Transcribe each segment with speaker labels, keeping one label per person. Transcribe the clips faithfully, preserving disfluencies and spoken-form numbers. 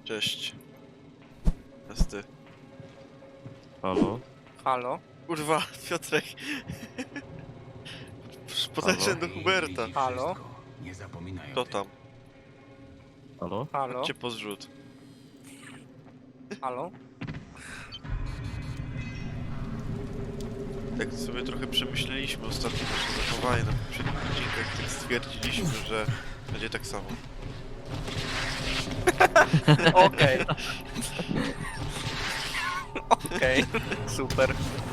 Speaker 1: Cześć. Jest ty.
Speaker 2: Halo?
Speaker 3: Halo?
Speaker 1: Kurwa, Piotrek. Podeszedłem do Huberta.
Speaker 3: Halo?
Speaker 4: Nie zapominaj
Speaker 1: Kto
Speaker 4: o tym.
Speaker 1: tam?
Speaker 2: Halo?
Speaker 3: Halo?
Speaker 1: Chodźcie po zrzut.
Speaker 3: Halo?
Speaker 1: Tak sobie trochę przemyśleliśmy ostatnio nasze zachowanie na poprzednich odcinkach, tak stwierdziliśmy, że będzie tak samo.
Speaker 3: Okej. Okej, super.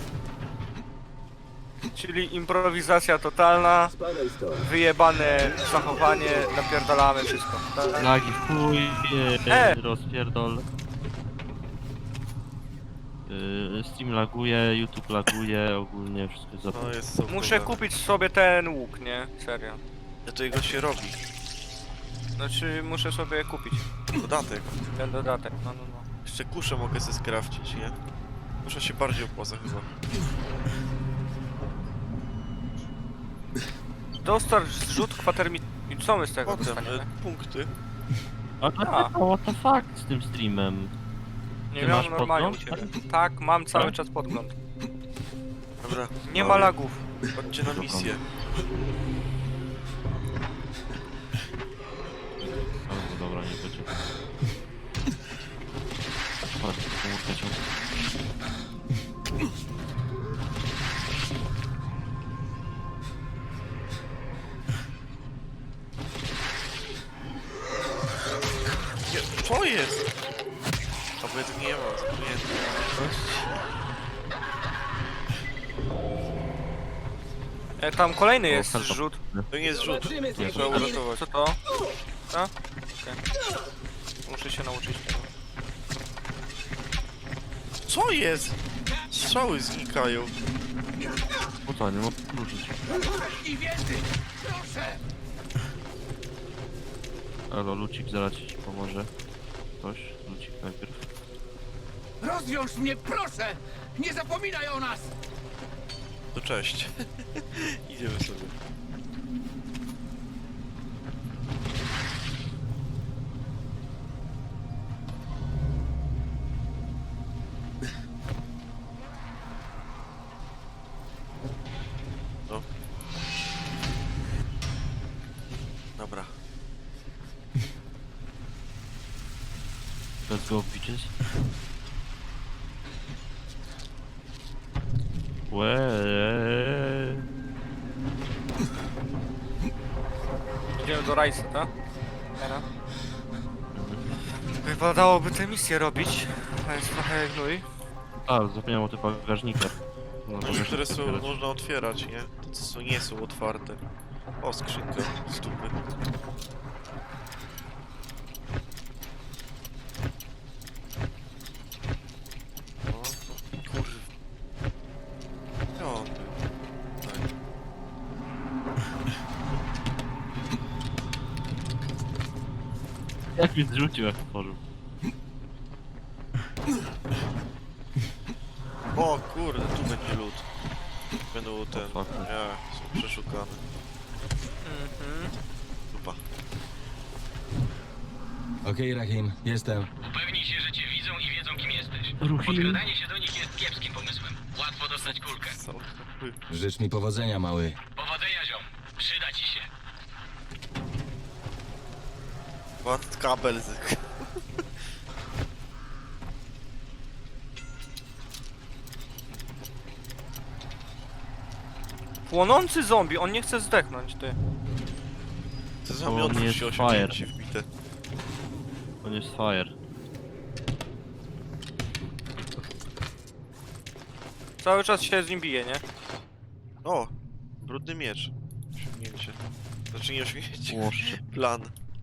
Speaker 3: Czyli improwizacja totalna, wyjebane zachowanie, napierdalamy wszystko. Tak?
Speaker 2: Lagi w chuj,
Speaker 3: E!
Speaker 2: e! rozpierdol. Yy, Steam laguje, YouTube laguje, ogólnie wszystko jest
Speaker 1: No
Speaker 2: zapomniane.
Speaker 1: jest co
Speaker 3: Muszę
Speaker 1: problem.
Speaker 3: kupić sobie ten łuk, nie? Serio.
Speaker 1: Ja to jego się robi.
Speaker 3: Znaczy, muszę sobie kupić
Speaker 1: Dodatek.
Speaker 3: ten dodatek, no no no.
Speaker 1: Jeszcze kuszę mogę sobie skrafcić, nie? Kusza się bardziej opłaca chyba.
Speaker 3: Dostarcz zrzut kwatermi... I co my z tego
Speaker 1: Potem
Speaker 3: dostaniemy?
Speaker 1: e, punkty.
Speaker 2: A, a, a what the fuck z tym streamem?
Speaker 3: Nie
Speaker 2: Ty
Speaker 3: miałem
Speaker 2: masz
Speaker 3: normalnie u
Speaker 2: podgląd?
Speaker 3: ciebie. Tak, mam cały
Speaker 2: Tak?
Speaker 3: czas podgląd.
Speaker 1: Dobra,
Speaker 3: Nie ma
Speaker 2: Dobra.
Speaker 3: lagów.
Speaker 1: chodźcie na misję.
Speaker 2: O, no dobra, nie będzie. Chodź, komórkę ciąg.
Speaker 1: Nie, co jest? A bo ja tu nie ma, zapomniałem.
Speaker 3: E, tam kolejny jest
Speaker 2: help.
Speaker 3: zrzut.
Speaker 1: To nie jest rzut. Trzeba uratować.
Speaker 3: Co to? Co? Okej. Muszę się nauczyć tego.
Speaker 1: Co jest? Strzały znikają.
Speaker 2: No co, nie mogę ruszyć.
Speaker 4: I wiedzy! Proszę!
Speaker 2: Halo, Lucik zaraz ci pomoże. Ktoś? Lucik najpierw.
Speaker 4: Rozwiąż mnie, proszę! Nie zapominaj o nas!
Speaker 1: To cześć. Idziemy sobie. No. Dobra.
Speaker 2: Let's go, bitches. Łeee.
Speaker 3: Idziemy do Rajsa, tak? Teraz. Wypadałoby tę misję robić. To jest trochę gnój.
Speaker 2: A, zapomniałem o tych bagażnikach. No,
Speaker 1: No,
Speaker 2: bagażnik
Speaker 1: które są,
Speaker 2: otwierać.
Speaker 1: można otwierać, nie? To co są, nie są otwarte. O, skrzynka, stupy. O, kurw. O, tak.
Speaker 2: Jak mi zrzucił, jak otworzył.
Speaker 1: O kurde, tu będzie lód. Będą ten...
Speaker 2: fuck.
Speaker 1: Nie, są przeszukane.
Speaker 3: Mhm.
Speaker 1: Dupa.
Speaker 4: Okej, Rahim, jestem.
Speaker 5: Upewnij się, że cię widzą i wiedzą, kim jesteś.
Speaker 2: Ruchim.
Speaker 5: Podkradanie się do nich jest kiepskim pomysłem. Łatwo dostać kulkę.
Speaker 1: Cały chuj.
Speaker 4: Życz mi powodzenia, mały.
Speaker 5: Powodzenia, ziom. Przyda ci się.
Speaker 1: Ład kabel z...
Speaker 3: Płonący zombie, on nie chce zdechnąć, ty.
Speaker 1: Co za
Speaker 2: To nie
Speaker 1: miotów
Speaker 2: jest
Speaker 1: się
Speaker 2: fire.
Speaker 1: osiągnięcie wbite.
Speaker 2: On jest fire.
Speaker 3: Cały czas się z nim bije, nie?
Speaker 1: O! Brudny miecz. Osiągnięcie. Znaczy nie osiągnięcie.
Speaker 2: Łoszcze.
Speaker 1: Plan.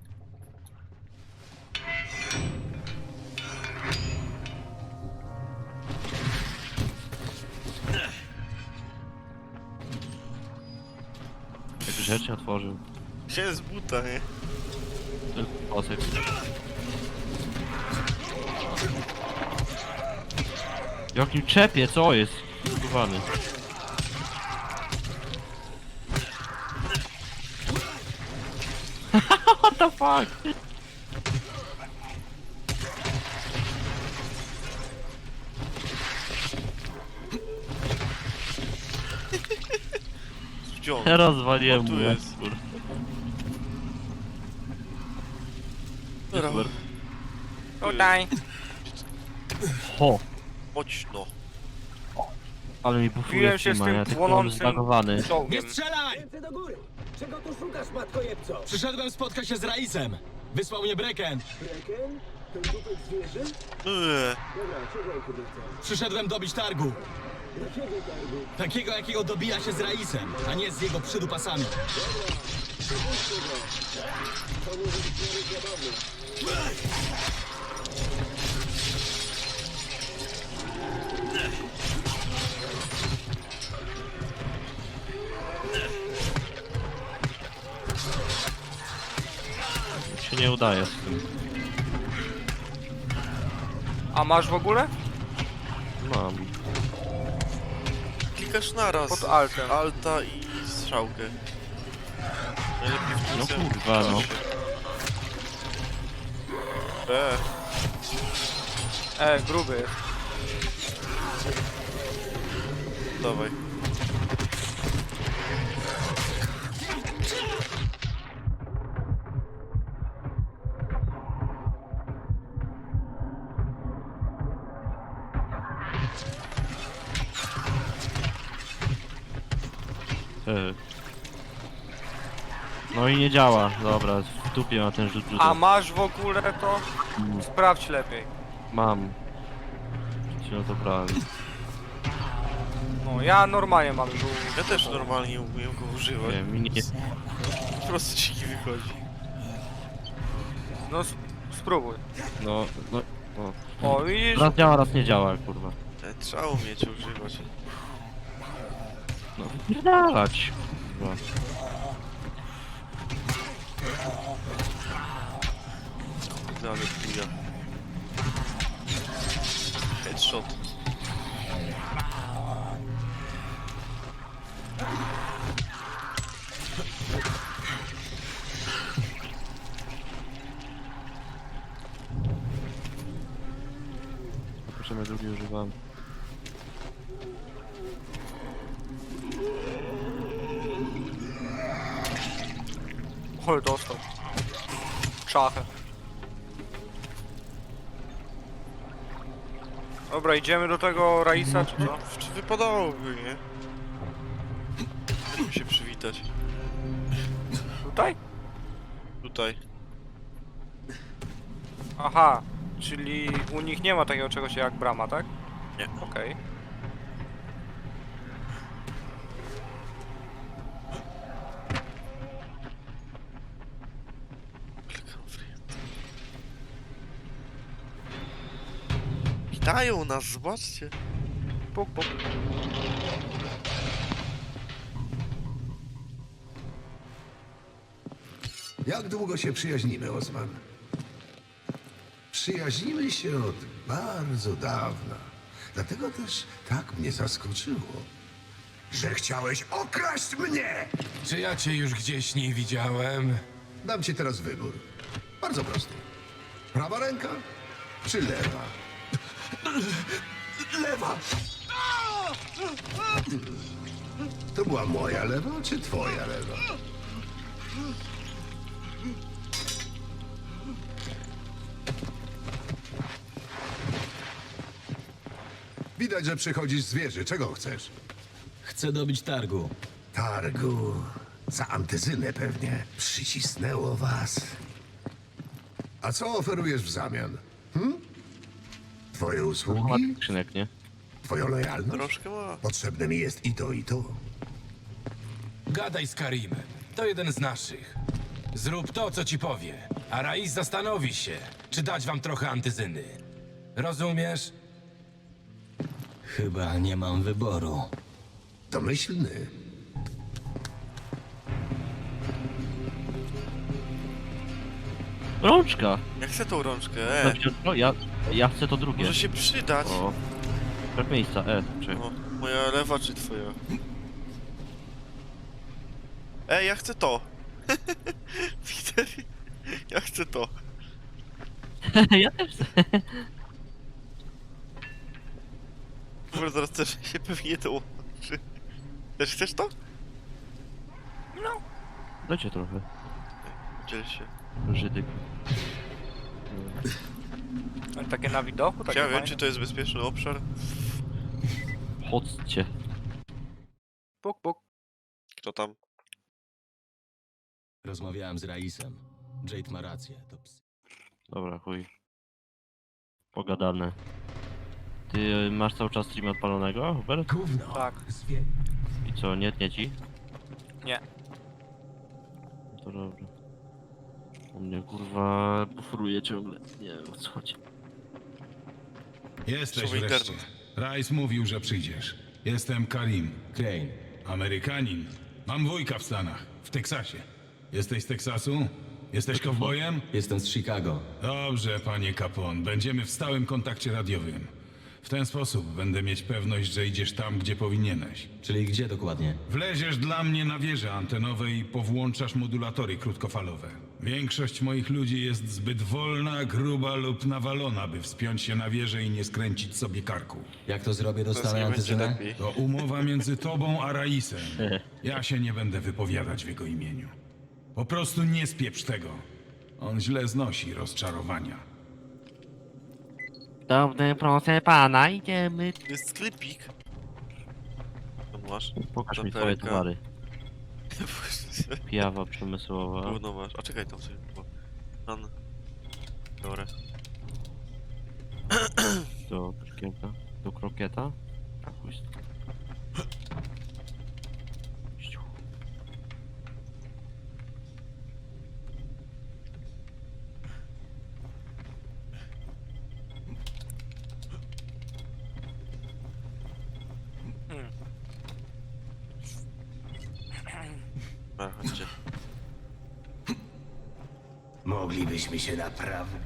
Speaker 2: Jak grzecznie otworzył.
Speaker 1: Się z buta, nie?
Speaker 2: Tylko pasek. Jakim czepie, co jest? Skubany. What the fuck?
Speaker 1: Gdzie on?
Speaker 2: Rozwaliłem
Speaker 1: O, tu
Speaker 2: mu
Speaker 1: jest.
Speaker 2: eksport.
Speaker 1: Dobra.
Speaker 2: Super.
Speaker 3: Tutaj.
Speaker 2: Ho!
Speaker 1: Chodź no.
Speaker 2: Ale mi bufuje
Speaker 3: Biłem się z
Speaker 2: Steama,
Speaker 3: tym
Speaker 2: ja tylko mam
Speaker 3: płonącym
Speaker 2: zbagowany.
Speaker 3: czołgiem.
Speaker 6: Strzelaj!
Speaker 7: Ręce do góry! Czego tu szukasz, matkojebco?
Speaker 6: Przyszedłem spotkać się z Raisem. Wysłał mnie Breken.
Speaker 7: Breken? Ten dupek zwierzy?
Speaker 1: Eee,
Speaker 7: Dobra, czego on chyba chce?
Speaker 6: Przyszedłem dobić targu.
Speaker 7: Jakiego targu?
Speaker 6: Takiego, jakiego dobija się z Raisem, a nie z jego przydupasami.
Speaker 7: Przepuśćcie go! To może być nawet zabawne.
Speaker 2: Mi się nie udaje z tym.
Speaker 3: A masz w ogóle?
Speaker 2: Mam.
Speaker 1: klikasz naraz.
Speaker 3: Pod altem.
Speaker 1: Alta i strzałkę. Najlepiej w tym
Speaker 2: No
Speaker 1: samym
Speaker 2: kurwa, no.
Speaker 1: czasie. Eee,
Speaker 3: E, gruby jest.
Speaker 1: dawaj.
Speaker 2: E. No i nie działa. Dobra, w dupie ma ten rzut
Speaker 3: A
Speaker 2: rzutu.
Speaker 3: masz w ogóle to?
Speaker 2: Mm,
Speaker 3: Sprawdź lepiej.
Speaker 2: Mam. Ci no to brałem.
Speaker 3: No, ja normalnie mam żół.
Speaker 1: Ja też normalnie umiem go używać.
Speaker 2: Nie, mi nie...
Speaker 1: Po prostu ci nie wychodzi.
Speaker 3: No, sp- spróbuj.
Speaker 2: No, no, no.
Speaker 3: O, widzisz?
Speaker 2: Raz działa, raz nie działa, kurwa.
Speaker 1: E, Trzeba umieć używać.
Speaker 2: No, wypierdalać. Kurwa.
Speaker 1: Ale chuja. Headshot.
Speaker 2: Proszę, ja drugi używam.
Speaker 3: Oj, dostał. Szachę. Dobra, idziemy do tego Raisa, czy co?
Speaker 1: Czy wypadałoby, nie? Jak mi się przywitać?
Speaker 3: Tutaj?
Speaker 1: Tutaj.
Speaker 3: Aha, czyli u nich nie ma takiego czegoś jak brama, tak?
Speaker 1: Nie.
Speaker 3: Okej.
Speaker 1: Klikam free. Witają nas, zobaczcie.
Speaker 3: Puk, puk.
Speaker 8: Jak długo się przyjaźnimy, Osman? Przyjaźnimy się od bardzo dawna. Dlatego też tak mnie zaskoczyło, że chciałeś okraść mnie!
Speaker 4: Czy ja cię już gdzieś nie widziałem?
Speaker 8: Dam ci teraz wybór. Bardzo prosty. Prawa ręka czy lewa? Lewa! To była moja lewa czy twoja lewa? Widać, że przychodzisz z wieży. Czego chcesz?
Speaker 6: Chcę dobić targu.
Speaker 8: Targu. Za antyzynę pewnie. Przycisnęło was. A co oferujesz w zamian? Hm? Twoje
Speaker 2: Ma
Speaker 8: usługi?
Speaker 2: skrzynek, nie?
Speaker 8: Twoją lojalność?
Speaker 1: Troszkę ma.
Speaker 8: Potrzebne mi jest i to, i to.
Speaker 4: Gadaj z Karimem. To jeden z naszych. Zrób to, co ci powie, a Rais zastanowi się, czy dać wam trochę antyzyny. Rozumiesz?
Speaker 6: Chyba nie mam wyboru.
Speaker 8: Domyślny.
Speaker 2: Rączka!
Speaker 1: Ja chcę tą rączkę, e.
Speaker 2: No, ja, ja chcę to drugie.
Speaker 1: Może się przydać.
Speaker 2: O. Brak miejsca, e, czekaj.
Speaker 1: O, moja lewa czy twoja? Ej, ja chcę to. Peter, ja chcę to.
Speaker 2: Ja też chcę.
Speaker 1: Może zaraz też się pewnie to łączy. Też chcesz to?
Speaker 2: Lecie trochę.
Speaker 1: Dziel się.
Speaker 2: Żydyk.
Speaker 3: Ale takie na widoku, takie
Speaker 1: Ja wiem,
Speaker 3: fajne.
Speaker 1: czy to jest bezpieczny obszar?
Speaker 2: Chodźcie.
Speaker 3: Puk, puk.
Speaker 1: Kto tam?
Speaker 6: Rozmawiałem z Raisem. Jade ma rację, to ps...
Speaker 2: Dobra, chuj. Pogadane. Ty y, masz cały czas stream odpalonego, Hubert?
Speaker 4: Gówno.
Speaker 3: Tak.
Speaker 4: Zwie...
Speaker 2: I co, nie tnie ci?
Speaker 3: Nie.
Speaker 2: To dobrze. U mnie kurwa bufruje ciągle. Nie wiem o co chodzi.
Speaker 9: Jesteś
Speaker 1: Słowo
Speaker 9: wreszcie.
Speaker 1: internet.
Speaker 9: Rice mówił, że przyjdziesz. Jestem Karim,
Speaker 6: Crane.
Speaker 9: Amerykanin. Mam wujka w Stanach, w Teksasie. Jesteś z Teksasu? Jesteś kowbojem?
Speaker 6: Jestem z Chicago.
Speaker 9: Dobrze, panie Capone. Będziemy w stałym kontakcie radiowym. W ten sposób będę mieć pewność, że idziesz tam, gdzie powinieneś.
Speaker 6: Czyli gdzie dokładnie?
Speaker 9: Wleziesz dla mnie na wieże antenowe i powłączasz modulatory krótkofalowe. Większość moich ludzi jest zbyt wolna, gruba lub nawalona, by wspiąć się na wieżę i nie skręcić sobie karku.
Speaker 6: Jak to zrobię,
Speaker 1: Teraz
Speaker 6: dostanę
Speaker 1: nie będzie
Speaker 6: antyzynę?
Speaker 1: lepiej.
Speaker 9: To umowa między tobą a Raisem. Ja się nie będę wypowiadać w jego imieniu. Po prostu nie spieprz tego. On źle znosi rozczarowania.
Speaker 2: Dobry, proszę pana, idziemy.
Speaker 1: Jest sklepik. Co masz?
Speaker 2: Pokaż mi
Speaker 1: Taperka.
Speaker 2: twoje towary. Pijawa przemysłowa.
Speaker 1: Gówno masz. A czekaj, tam sobie... bo- Pan... Dobra.
Speaker 2: Do krokieta. Do krokieta. A chuj. z- Ściu.
Speaker 1: A, chodźcie.
Speaker 8: Moglibyśmy się naprawdę...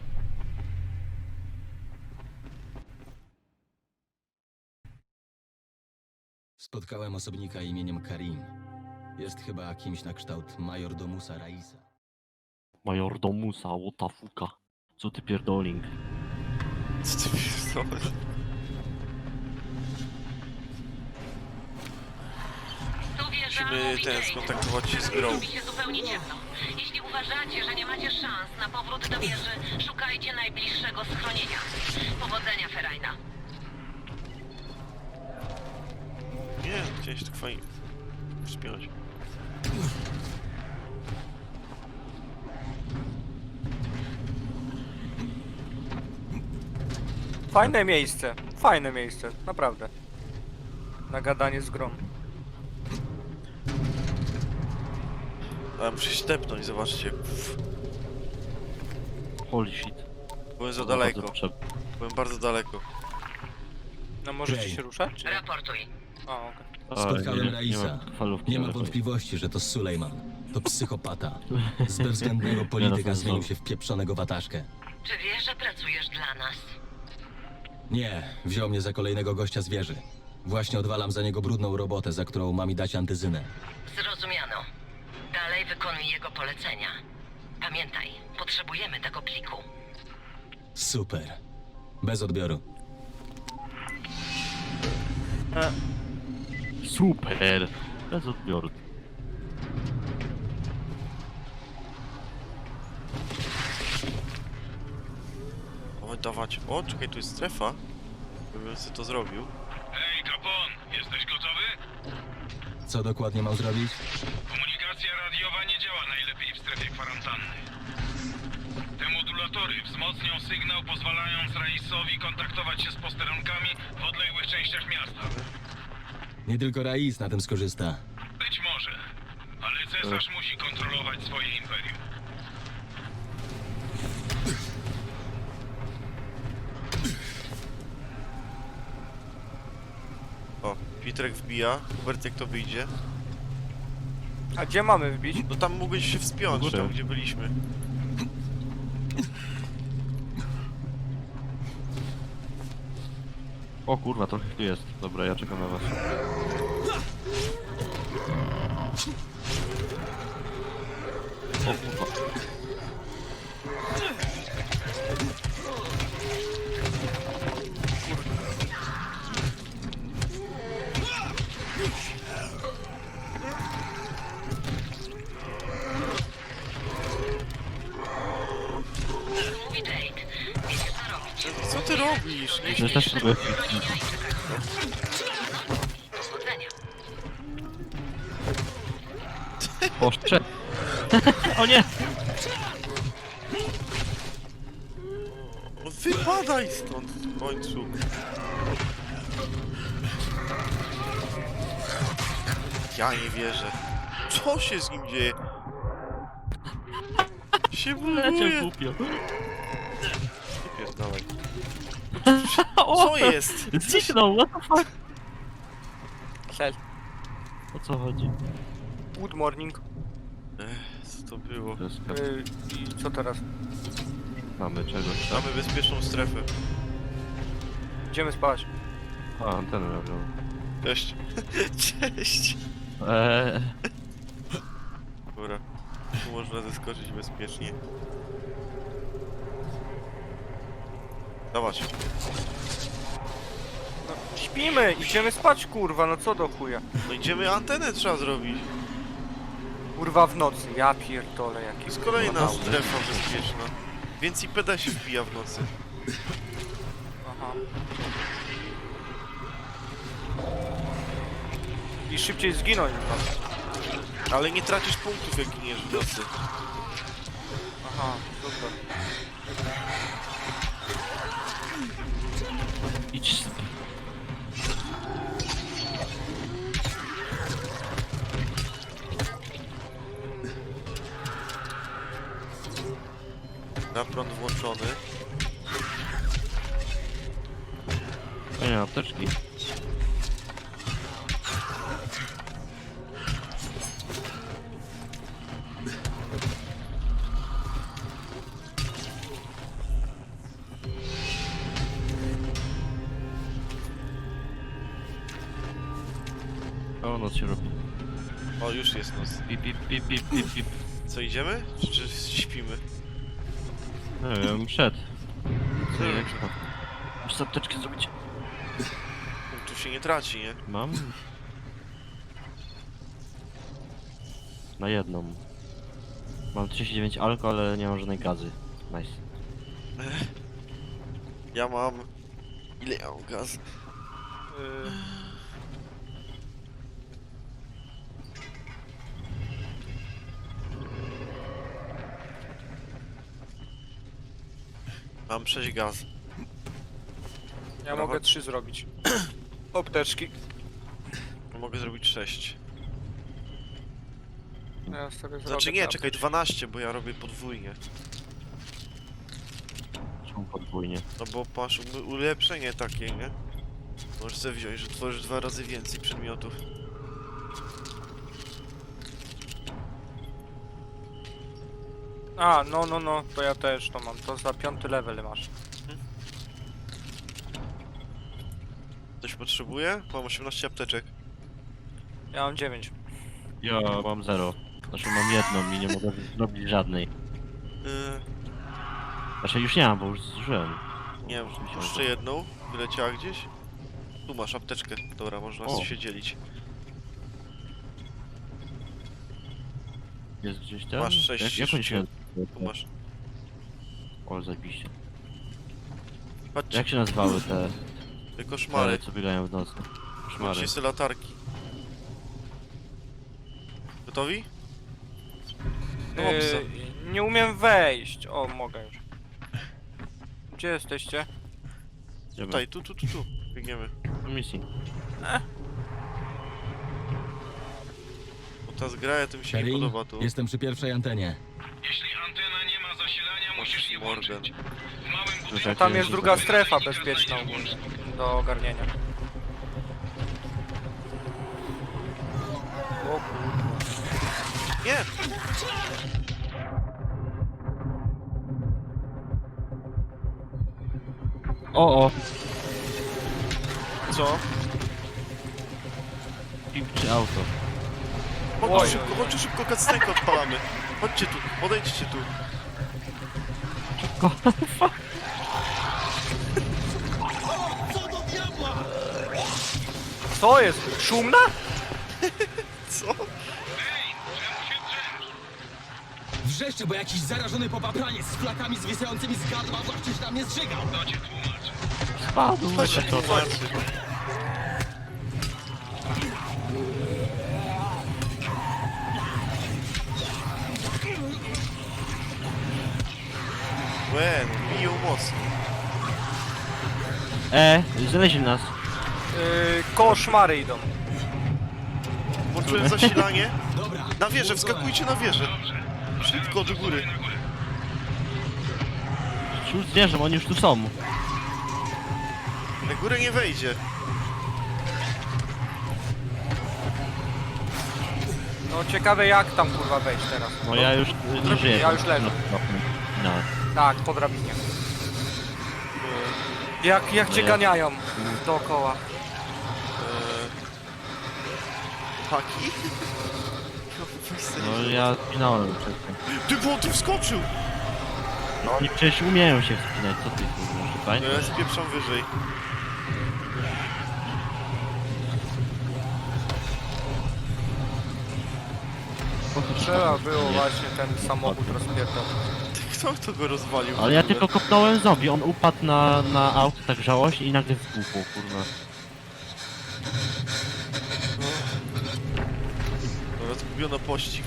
Speaker 6: Spotkałem osobnika imieniem Karim. Jest chyba kimś na kształt majordomusa Raisa.
Speaker 2: Majordomusa, what the fucka. Co ty pierdoling?
Speaker 1: Co ty pierdolisz?
Speaker 10: Tu wieża
Speaker 1: Musimy
Speaker 10: mówi
Speaker 1: ten,
Speaker 10: Jade.
Speaker 1: skontaktować się z grą.
Speaker 10: Robi się zupełnie ciemno. Jeśli uważacie, że nie macie szans na powrót do wieży, szukajcie najbliższego schronienia. Powodzenia, Ferajna.
Speaker 1: Nie, chciałeś tak fajnie wspiąć.
Speaker 3: Fajne miejsce. Fajne miejsce. Naprawdę. Na gadanie z grą.
Speaker 1: A muszę się tepnąć, zobaczcie. Uff,
Speaker 2: Holy shit.
Speaker 1: byłem za
Speaker 2: Kurwa,
Speaker 1: daleko.
Speaker 2: bardzo prze-
Speaker 1: Byłem bardzo daleko.
Speaker 3: No możecie
Speaker 6: Okej.
Speaker 3: się ruszać, czy nie?
Speaker 10: Raportuj.
Speaker 3: O, okej.
Speaker 2: A,
Speaker 6: Spotkałem
Speaker 2: nie-
Speaker 6: Raisa.
Speaker 2: Nie ma falówki.
Speaker 6: Nie ma
Speaker 2: ale chuj.
Speaker 6: wątpliwości, że to Sulejman. To psychopata. Z bezwzględnego polityka zmienił się w pieprzonego wataszkę.
Speaker 10: Czy wiesz, że pracujesz dla nas?
Speaker 6: Nie, wziął mnie za kolejnego gościa z wieży. Właśnie odwalam za niego brudną robotę, za którą ma mi dać antyzynę.
Speaker 10: Zrozumiano. Dalej wykonuj jego polecenia. Pamiętaj, potrzebujemy tego pliku.
Speaker 6: Super. Bez odbioru.
Speaker 2: Super! Bez odbioru.
Speaker 1: O, dawać. O, czekaj, tu jest strefa. Gdybym sobie to zrobił.
Speaker 9: Hej, Capone, jesteś gotowy?
Speaker 6: Co dokładnie mam zrobić?
Speaker 9: Komunikacja radiowa nie działa najlepiej w strefie kwarantanny. Te modulatory wzmocnią sygnał, pozwalając Raisowi kontaktować się z posterunkami w odległych częściach miasta.
Speaker 6: Nie tylko Rais na tym skorzysta.
Speaker 9: Być może, ale cesarz musi kontrolować swoje imperium.
Speaker 1: O, Pietrek wbija. Hubert, jak to wyjdzie?
Speaker 3: A gdzie mamy wbić?
Speaker 1: No tam mógłbyś się wspiąć,
Speaker 2: Górę.
Speaker 1: tam gdzie byliśmy.
Speaker 2: O kurwa, trochę tu jest. Dobra, ja czekam na was. O kurwa.
Speaker 1: ty robisz? Nie
Speaker 2: To też sobie...
Speaker 10: Powodzenia.
Speaker 2: Oszcze... O nie!
Speaker 1: No wypadaj stąd w końcu. Ja nie wierzę. Co się z nim dzieje? Się
Speaker 2: Leciał
Speaker 1: buduje.
Speaker 2: głupio.
Speaker 1: Pierdalaj.
Speaker 2: O!
Speaker 1: Co jest?
Speaker 2: Zniknął, what the fuck?
Speaker 3: Cel.
Speaker 2: O co chodzi?
Speaker 3: Good morning.
Speaker 1: Ech, co to było?
Speaker 2: To jest...
Speaker 3: Yy, I co teraz?
Speaker 2: Mamy czegoś tam.
Speaker 1: Mamy bezpieczną strefę.
Speaker 3: Idziemy spać.
Speaker 2: A, antenę robią.
Speaker 1: Cześć. Cześć.
Speaker 2: Eee...
Speaker 1: Dobra. Tu można zeskoczyć bezpiecznie. Dawać.
Speaker 3: No, śpimy, idziemy spać, kurwa, no co do chuja.
Speaker 1: No idziemy, antenę trzeba zrobić.
Speaker 3: Kurwa w nocy, ja pierdolę
Speaker 1: To
Speaker 3: jaki.
Speaker 1: jest kolejna
Speaker 2: No,
Speaker 1: strefa bezpieczna. Więc i P D się wbija w nocy.
Speaker 3: Aha. I szybciej zginąć chyba.
Speaker 1: Ale nie tracisz punktów, jak giniesz w nocy.
Speaker 3: Aha, super.
Speaker 2: Idź z...
Speaker 1: Na prąd włączony.
Speaker 2: O nie, apteczki. O, noc się robi.
Speaker 1: O, już jest noc.
Speaker 2: Pip, pip, pip, pip, pip, pip.
Speaker 1: Co, idziemy? Czy, czy śpimy?
Speaker 2: Nie wiem, przed. Co nie ekstra. Muszę apteczkę zrobić.
Speaker 1: Tu się nie traci, nie?
Speaker 2: Mam? Na jedną. Mam trzydzieści dziewięć alko, ale nie mam żadnej gazy. Nice.
Speaker 1: Ja mam... Ile ja mam gaz?
Speaker 3: Yy,
Speaker 1: Mam sześć gaz.
Speaker 3: ja
Speaker 1: Brawo.
Speaker 3: mogę trzy zrobić. Apteczki.
Speaker 1: Mogę zrobić sześć.
Speaker 3: Ja sobie
Speaker 1: Znaczy
Speaker 3: zrobię
Speaker 1: nie,
Speaker 3: te
Speaker 1: czekaj, dwanaście, bo ja robię podwójnie.
Speaker 2: Są podwójnie.
Speaker 1: No bo masz u- ulepszenie takie, nie? Możesz sobie wziąć, że tworzysz dwa razy więcej przedmiotów.
Speaker 3: A, no, no, no, to ja też to mam. To za piąty level masz.
Speaker 1: Ktoś potrzebuje? Mam osiemnaście apteczek.
Speaker 3: Ja mam dziewięć.
Speaker 2: Ja mam zero. Znaczy mam jedną i nie mogę zrobić żadnej.
Speaker 1: Yy,
Speaker 2: Znaczy już nie mam, bo już zużyłem.
Speaker 1: nie wiem, jeszcze jedną. Wyleciała gdzieś. Tu masz apteczkę. Dobra, można
Speaker 2: O.
Speaker 1: się dzielić.
Speaker 2: Jest gdzieś tam?
Speaker 1: Masz sześć
Speaker 2: Jak, jak oni się
Speaker 1: Tu masz.
Speaker 2: O, zajebiście.
Speaker 1: Patrzcie,
Speaker 2: Jak się nazywały te,
Speaker 1: te
Speaker 2: te
Speaker 1: koszmary.
Speaker 2: co biegają w nocy? Koszmary.
Speaker 1: Macie sobie latarki. Gotowi? No, obsa.
Speaker 3: Yy, nie umiem wejść. O, mogę już. Gdzie jesteście?
Speaker 2: Idziemy.
Speaker 1: Tutaj, tu, tu, tu, tu. Biegniemy.
Speaker 2: Do misji.
Speaker 1: Bo ta zgraja to mi się nie
Speaker 6: Karin,
Speaker 1: podoba tu.
Speaker 6: jestem przy pierwszej antenie.
Speaker 9: Jeśli antena nie ma zasilania, musisz je
Speaker 1: Morgan.
Speaker 9: włączyć. W małym budynku...
Speaker 2: Czekaj,
Speaker 3: Tam jest
Speaker 2: że-
Speaker 3: druga strefa bezpieczna ogólnie do ogarnienia. O kurwa.
Speaker 1: Nie!
Speaker 2: O, o!
Speaker 1: Co?
Speaker 2: Pip czy auto?
Speaker 1: Chodźcie
Speaker 3: Oj,
Speaker 1: szybko,
Speaker 3: oj,
Speaker 1: chodźcie szybko, cutscenkę odpalamy. Chodźcie tu, podejdźcie tu.
Speaker 3: Co jest? Szumna?
Speaker 1: Co?
Speaker 6: Wrzeszczy, bo jakiś zarażony popapraniec z flakami zwisającymi z gardła właśnie się na mnie zżygał.
Speaker 9: To cię tłumaczę.
Speaker 2: spadł.
Speaker 1: Chodź
Speaker 2: Wiecie
Speaker 1: tu,
Speaker 2: co?
Speaker 1: patrz. Łe, no biją mocno.
Speaker 2: E, znaleźli nas.
Speaker 3: Yy, koszmary idą.
Speaker 1: Włączyłem zasilanie.
Speaker 6: Dobra.
Speaker 1: Na wieżę,
Speaker 6: włączone.
Speaker 1: wskakujcie na wieżę.
Speaker 9: Dobrze.
Speaker 1: Szybko do góry.
Speaker 9: Na górę.
Speaker 2: Już zwierzę, oni już tu są.
Speaker 1: Na górę nie wejdzie.
Speaker 3: No ciekawe jak tam kurwa wejść teraz.
Speaker 2: No ja już y, nie żyję.
Speaker 3: Ja już leżę.
Speaker 2: No, no.
Speaker 3: Tak, po drabinie. Jak, jak
Speaker 2: No
Speaker 3: cię
Speaker 2: ja-
Speaker 3: ganiają dookoła.
Speaker 1: Eee... Haki?
Speaker 2: No ja spinałem wcześniej.
Speaker 1: Ty, bo on tu wskoczył!
Speaker 2: No oni przecież umieją się wspinać, co ty kurwa,
Speaker 1: No
Speaker 2: fajnie?
Speaker 1: ja spieprzam wyżej.
Speaker 3: Trzeba było właśnie ten samochód rozpierdol.
Speaker 1: Kto to go rozwalił? w
Speaker 2: Ale ja
Speaker 1: ogóle?
Speaker 2: tylko kopnąłem zombie, on upadł na, na auto tak żałośnie i nagle wybuchł, kurwa.
Speaker 1: Dobra, zgubiono pościg.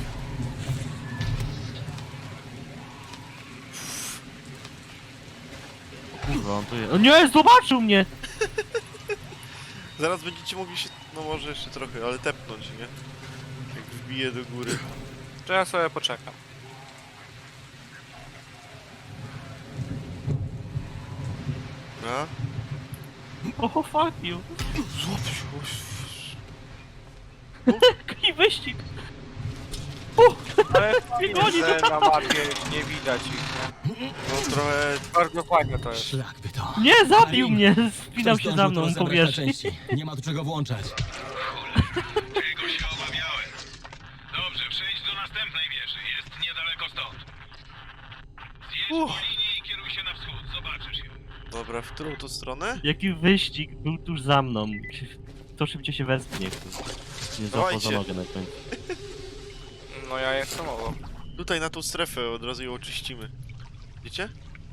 Speaker 2: Kurwa, on tu jest. O nie, zobaczył mnie!
Speaker 1: Zaraz będziecie mogli się, no może jeszcze trochę, ale tepnąć, nie? Jak wbije do góry.
Speaker 3: To ja sobie poczekam.
Speaker 1: A?
Speaker 2: Oh fuck you.
Speaker 1: Złap się.
Speaker 2: Jaki wyścig!
Speaker 3: Ale
Speaker 2: Oni
Speaker 3: fajnie, że na mapie nie widać ich. nie?
Speaker 1: No trochę...
Speaker 3: Bardzo fajne to jest.
Speaker 6: Szlak by to.
Speaker 2: Nie, zabił
Speaker 6: Karim,
Speaker 2: mnie! Spinał
Speaker 6: ktoś
Speaker 2: się za
Speaker 6: zdążył
Speaker 2: mną
Speaker 6: tu
Speaker 2: po
Speaker 6: rozebrać na
Speaker 2: wierzchni.
Speaker 6: części. Nie ma tu czego włączać.
Speaker 9: Czego się obawiałem? Dobrze, przejdź do następnej wieży. Jest niedaleko stąd. Zjedź po
Speaker 1: Uff.
Speaker 9: linii i kieruj się na wschód. Zobaczysz ją.
Speaker 1: Dobra, w którą to stronę?
Speaker 2: Jaki wyścig był tuż za mną. To szybciej się wespnie, kurwa. Nie złapał za
Speaker 1: Dawajcie.
Speaker 2: nogę na końcu.
Speaker 3: No ja jestem obok.
Speaker 1: Tutaj na tą strefę od razu ją oczyścimy. Wiecie?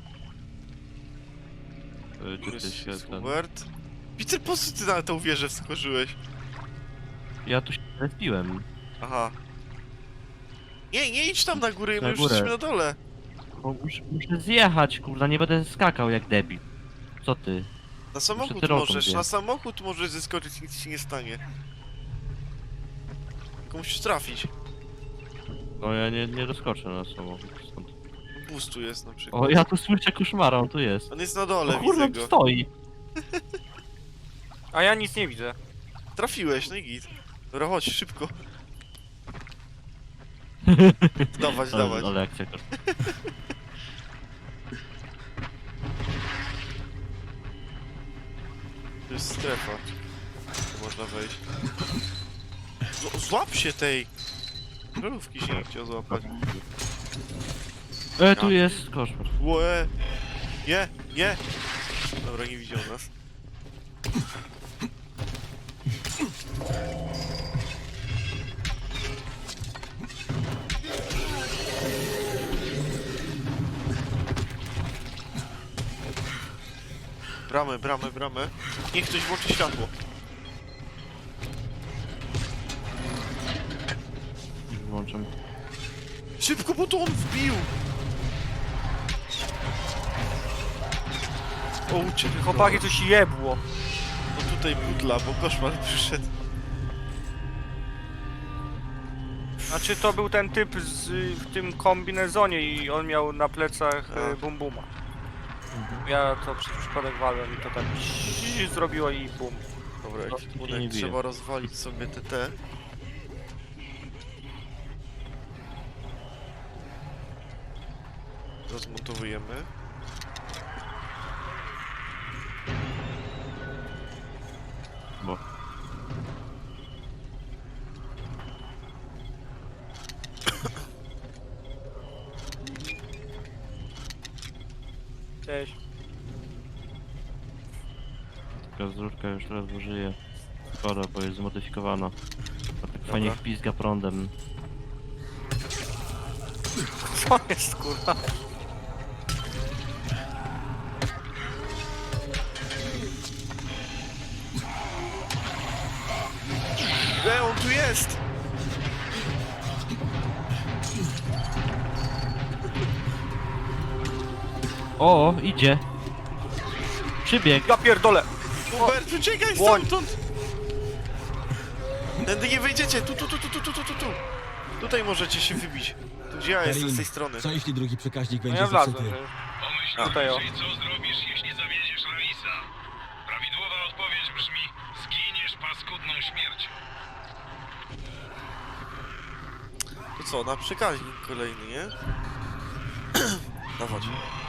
Speaker 2: Y,
Speaker 1: Tu
Speaker 2: Czy
Speaker 1: jest,
Speaker 2: ty się
Speaker 1: jest
Speaker 2: ten...
Speaker 1: Hubert. Peter, po co ty na tą wieżę wskoczyłeś?
Speaker 2: Ja tu się respiłem.
Speaker 1: Aha. Nie, nie idź tam na górę, my
Speaker 2: Na
Speaker 1: już
Speaker 2: górę.
Speaker 1: jesteśmy na dole.
Speaker 2: Bo muszę, muszę zjechać, kurwa, nie będę skakał jak debil. Co ty?
Speaker 1: Na samochód
Speaker 2: tyrolką
Speaker 1: możesz,
Speaker 2: zjechać.
Speaker 1: na samochód możesz zeskoczyć, nic ci nie stanie. Tylko musisz trafić.
Speaker 2: No ja nie, nie doskoczę na samochód stąd.
Speaker 1: Boost tu jest na przykład.
Speaker 2: O, ja tu słyszę koszmara, on tu jest.
Speaker 1: On jest na dole,
Speaker 2: O
Speaker 1: widzę
Speaker 2: kurwa,
Speaker 1: go.
Speaker 2: stoi.
Speaker 3: A ja nic nie widzę.
Speaker 1: Trafiłeś, no i git. Dobra, chodź, szybko. Dawać, dawać.
Speaker 2: Ale, ale akcja kosz...
Speaker 1: To jest strefa. Tu można wejść. Z złap się tej! Żarówki się nie chciał złapać.
Speaker 2: E, tu jest koszmar.
Speaker 1: Łe! Nie, nie! Dobra, nie widział nas. Bramę, bramę, bramę. Niech ktoś włączy światło.
Speaker 2: Włączam.
Speaker 1: Szybko, bo to on wbił! O, uciekł.
Speaker 3: Chłopaki coś jebło.
Speaker 1: No tutaj butla, bo koszmar przyszedł.
Speaker 3: Znaczy to był ten typ z, w tym kombinezonie i on miał na plecach
Speaker 1: A.
Speaker 3: e, bum buma. Ja to przez przypadek walłem i to tak zrobiło i bum.
Speaker 1: Dobra,
Speaker 2: No, nie
Speaker 1: ekwipunek
Speaker 2: bije.
Speaker 1: trzeba rozwalić sobie T T. Rozmontowujemy.
Speaker 2: Bo...
Speaker 3: Cześć.
Speaker 2: Taka zrówka już ledwo żyje. Szkoda, bo jest zmodyfikowana. A tak fajnie
Speaker 1: Dobra.
Speaker 2: pizga prądem.
Speaker 3: Co jest kurwa?
Speaker 1: jest!
Speaker 2: O, idzie. Przybieg.
Speaker 3: Ja pierdolę!
Speaker 1: Hubert, uciekaj
Speaker 3: Błoń.
Speaker 1: stamtąd! Tędy nie wyjdziecie, tu, tu, tu, tu, tu, tu, tu, tu, tu. Tutaj możecie się wybić. Tu gdzie ja jestem, z tej strony.
Speaker 6: co jeśli drugi przekaźnik
Speaker 3: No
Speaker 6: będzie
Speaker 3: ja wlazłem.
Speaker 6: zepsuty?
Speaker 3: że-
Speaker 9: Pomyśl
Speaker 3: Tutaj, o.
Speaker 9: najwyżej, co zrobisz, jeśli zawiedziesz Raisa. Prawidłowa odpowiedź brzmi: zginiesz paskudną śmiercią.
Speaker 1: To co, na przekaźnik kolejny, nie? Dawać.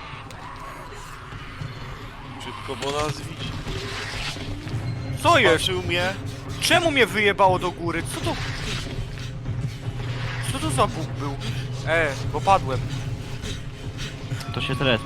Speaker 1: Szybko, bo nas widzi.
Speaker 3: Co jest?
Speaker 1: Patrzył mnie.
Speaker 3: Czemu mnie wyjebało do góry? Co to... Co to za bóg był? E, bo padłem.
Speaker 2: To się teraz.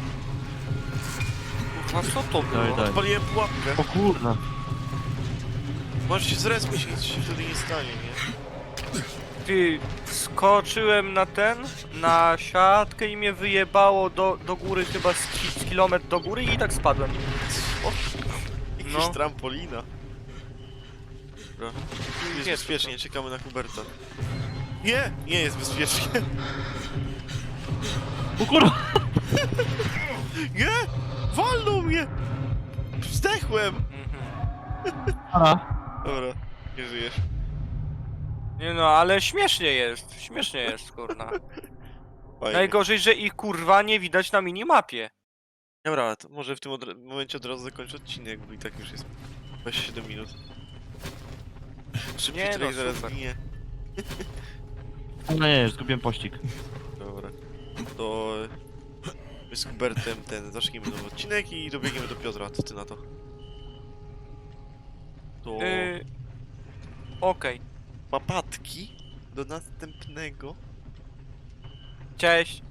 Speaker 3: A co to
Speaker 2: Daj,
Speaker 3: było?
Speaker 2: daj.
Speaker 1: Odpaliłem pułapkę.
Speaker 2: O kurna.
Speaker 1: Możesz się zrespić, nic się wtedy nie stanie, nie?
Speaker 3: Ty, skoczyłem na ten, na siatkę i mnie wyjebało do, do góry chyba z, ki z kilometr do góry i tak spadłem.
Speaker 1: O, jakiś
Speaker 3: No.
Speaker 1: trampolina. Dobra. Tu jest
Speaker 3: Nie,
Speaker 1: bezpiecznie, czekamy na Huberta. Nie, nie jest bezpiecznie.
Speaker 2: O kurwa.
Speaker 1: Nie! Walnął mnie! Zdechłem!
Speaker 2: A.
Speaker 1: Dobra, nie żyjesz.
Speaker 3: Nie no, ale śmiesznie jest, śmiesznie jest, kurna.
Speaker 1: Fajnie.
Speaker 3: Najgorzej, że ich kurwa nie widać na minimapie.
Speaker 1: Dobra, to może w tym od momencie od razu zakończę odcinek, bo i tak już jest dwadzieścia siedem minut. Szybciej
Speaker 3: Nie
Speaker 1: człowiek
Speaker 3: no,
Speaker 1: zaraz
Speaker 3: super.
Speaker 1: ginie.
Speaker 2: No nie, zgubiłem pościg.
Speaker 1: Dobra. To my z Hubertem ten zaczniemy nowy odcinek i dobiegniemy do Piotra, co ty na to? To
Speaker 3: Yy... Okej,
Speaker 1: papatki do następnego.
Speaker 3: cześć.